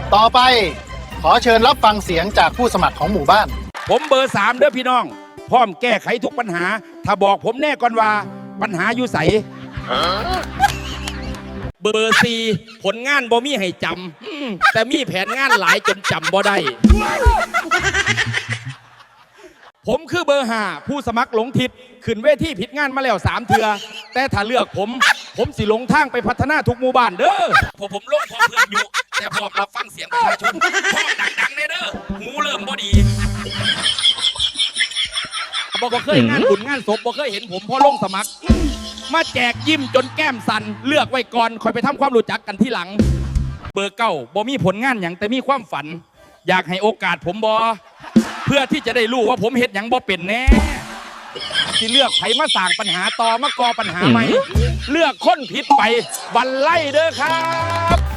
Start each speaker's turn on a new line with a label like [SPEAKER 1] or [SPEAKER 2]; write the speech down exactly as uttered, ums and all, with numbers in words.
[SPEAKER 1] ต่อไปขอเชิญรับฟังเสียงจากผู้สมัครของหมู่บ้าน
[SPEAKER 2] ผมเบอร์สามเด้อพี่น้องพร้อมแก้ไขทุกปัญหาถ้าบอกผมแน่ก่อนว่าปัญหาอยู่ใสเบอร์สี่ผลงานบ่มีให้จำแต่มีแผนงานหลายจนจำบ่ได้ผมคือเบอร์ห้าผู้สมัครหลงทิศขึ้นเวทีผิดงานมาแล้วสามเทือแต่ถ้าเลือกผมผมสิหลงทางไปพัฒนาทุกหมู่บ้านเด้อผมผมลงพอเพื่อนอยู่แต่พร้อมรับฟังเสียงประชาชนพร้อมดังๆเด้อหูเริ่มบ่ดีบ่บ่เคยงานบุญงานศพบ่เคยเห็นผมพอลงสมัครมาแจกยิ้มจนแก้มสั่นเลือกไว้ก่อนคอยไปทำความรู้จักกันที่หลังเบอร์เก้าบ่มีผลงานอย่างแต่มีความฝันอยากให้โอกาสผมบ่เพื่อที่จะได้รู้ว่าผมเฮ็ดหยังบ่เป็นแน่ที่เลือกไผมาสร้างปัญหาต่อมากอปัญหาใหม่เลือกคนผิดไปบันไล่เด้อครับ